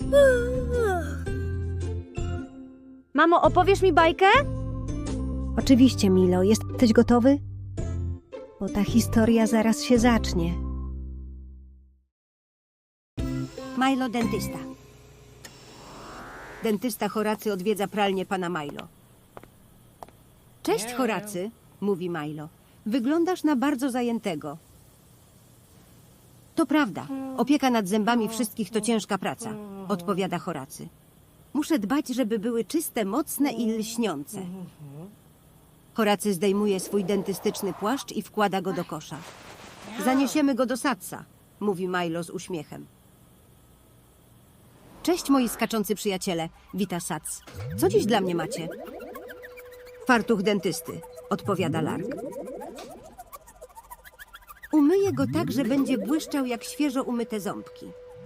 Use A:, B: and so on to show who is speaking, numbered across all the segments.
A: Mamo, opowiesz mi bajkę?
B: Oczywiście, Milo. Jesteś gotowy? Bo ta historia zaraz się zacznie.
C: Milo dentysta. Dentysta Horacy odwiedza pralnię pana Milo. Cześć, Horacy, mówi Milo. Wyglądasz na bardzo zajętego. To prawda. Opieka nad zębami wszystkich to ciężka praca, odpowiada Horacy. Muszę dbać, żeby były czyste, mocne i lśniące. Horacy zdejmuje swój dentystyczny płaszcz i wkłada go do kosza. Zaniesiemy go do Satsa, mówi Milo z uśmiechem. Cześć, moi skaczący przyjaciele, wita Sats. Co dziś dla mnie macie? Fartuch dentysty, odpowiada Lark. Umyję go tak, że będzie błyszczał jak świeżo umyte ząbki.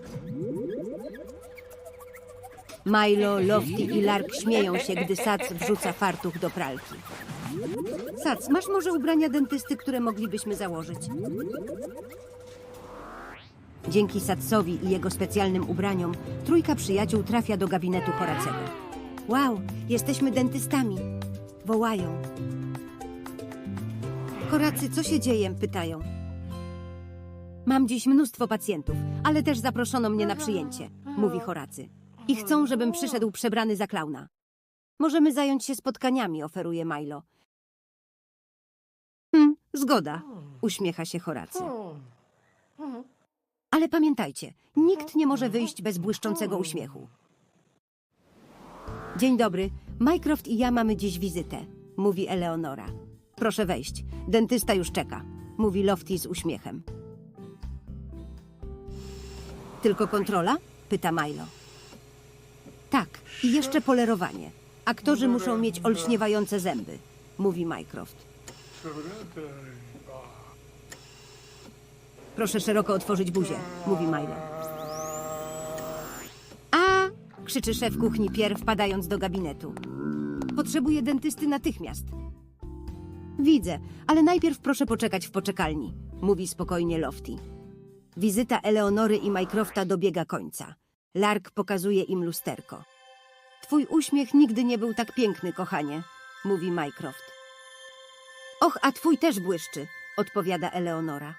C: Milo, Lofty i Lark śmieją się, gdy Sats wrzuca fartuch do pralki. Sats, masz może ubrania dentysty, które moglibyśmy założyć? Dzięki Satsowi i jego specjalnym ubraniom trójka przyjaciół trafia do gabinetu Horacego. Wow, jesteśmy dentystami, wołają. Horacy, co się dzieje? Pytają. Mam dziś mnóstwo pacjentów, ale też zaproszono mnie na przyjęcie, mówi Horacy. I chcą, żebym przyszedł przebrany za klauna. Możemy zająć się spotkaniami, oferuje Milo. Zgoda, uśmiecha się Horacy. Ale pamiętajcie, nikt nie może wyjść bez błyszczącego uśmiechu. Dzień dobry, Mycroft i ja mamy dziś wizytę, mówi Eleonora. Proszę wejść, dentysta już czeka, mówi Lofty z uśmiechem. Tylko kontrola? Pyta Milo. Tak, i jeszcze polerowanie. Aktorzy muszą mieć olśniewające zęby, mówi Mycroft. Proszę szeroko otworzyć buzię, mówi Milo. A! Krzyczy szef kuchni Pierre, wpadając do gabinetu. Potrzebuję dentysty natychmiast. Widzę, ale najpierw proszę poczekać w poczekalni, mówi spokojnie Lofty. Wizyta Eleonory i Mycrofta dobiega końca. Lark pokazuje im lusterko. Twój uśmiech nigdy nie był tak piękny, kochanie, mówi Mycroft. Och, a twój też błyszczy, odpowiada Eleonora.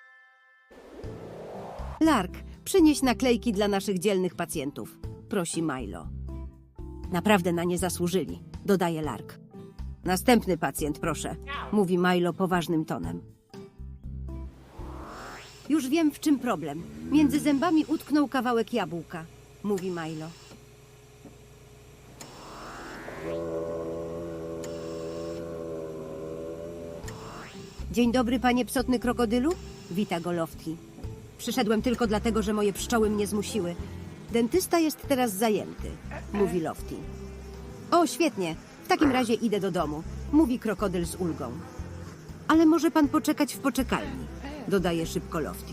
C: Lark, przynieś naklejki dla naszych dzielnych pacjentów, prosi Milo. Naprawdę na nie zasłużyli, dodaje Lark. Następny pacjent, proszę, mówi Milo poważnym tonem. Już wiem, w czym problem. Między zębami utknął kawałek jabłka, mówi Milo. Dzień dobry, panie psotny krokodylu, wita go Lofty. Przyszedłem tylko dlatego, że moje pszczoły mnie zmusiły. Dentysta jest teraz zajęty, mówi Lofty. O, świetnie, w takim razie idę do domu, mówi krokodyl z ulgą. Ale może pan poczekać w poczekalni, dodaje szybko Lofty.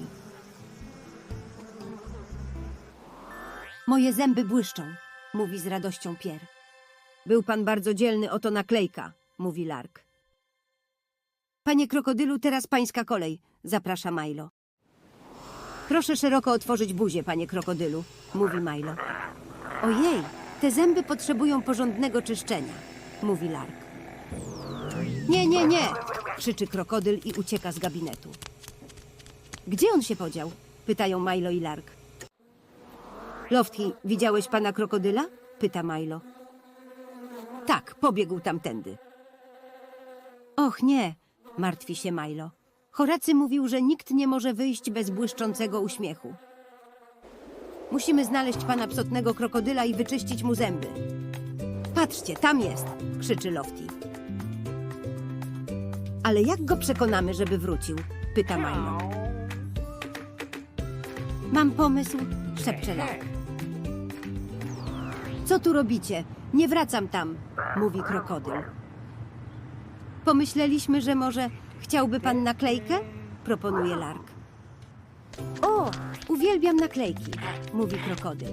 C: Moje zęby błyszczą, mówi z radością Pierre. Był pan bardzo dzielny, oto naklejka, mówi Lark. Panie krokodylu, teraz pańska kolej, zaprasza Milo. Proszę szeroko otworzyć buzię, panie krokodylu, mówi Milo. Ojej, te zęby potrzebują porządnego czyszczenia, mówi Lark. Nie, nie, nie, krzyczy krokodyl i ucieka z gabinetu. Gdzie on się podział? Pytają Milo i Lark. Lofty, widziałeś pana krokodyla? Pyta Milo. Tak, pobiegł tamtędy. Och nie, martwi się Milo. Horacy mówił, że nikt nie może wyjść bez błyszczącego uśmiechu. Musimy znaleźć pana psotnego krokodyla i wyczyścić mu zęby. Patrzcie, tam jest, krzyczy Lofty. Ale jak go przekonamy, żeby wrócił? Pyta Milo. Mam pomysł, szepcze Lark. Co tu robicie? Nie wracam tam, mówi krokodyl. Pomyśleliśmy, że może chciałby pan naklejkę? Proponuje Lark. O, uwielbiam naklejki, mówi krokodyl.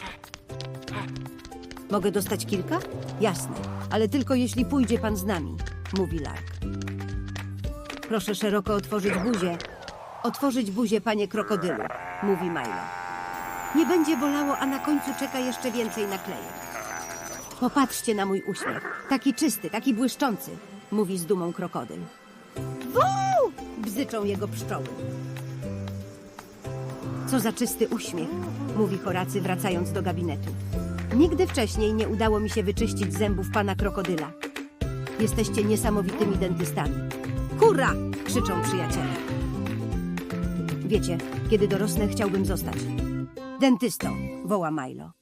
C: Mogę dostać kilka? Jasne, ale tylko jeśli pójdzie pan z nami, mówi Lark. Proszę szeroko otworzyć buzię. Otworzyć buzię, panie krokodylu, mówi Milo. Nie będzie bolało, a na końcu czeka jeszcze więcej naklejek. Popatrzcie na mój uśmiech. Taki czysty, taki błyszczący, mówi z dumą krokodyl. Wuu! Bzyczą jego pszczoły. Co za czysty uśmiech, mówi Horacy, wracając do gabinetu. Nigdy wcześniej nie udało mi się wyczyścić zębów pana krokodyla. Jesteście niesamowitymi dentystami. Hurra! Krzyczą przyjaciele. Wiecie, kiedy dorosnę, chciałbym zostać dentystą, woła Milo.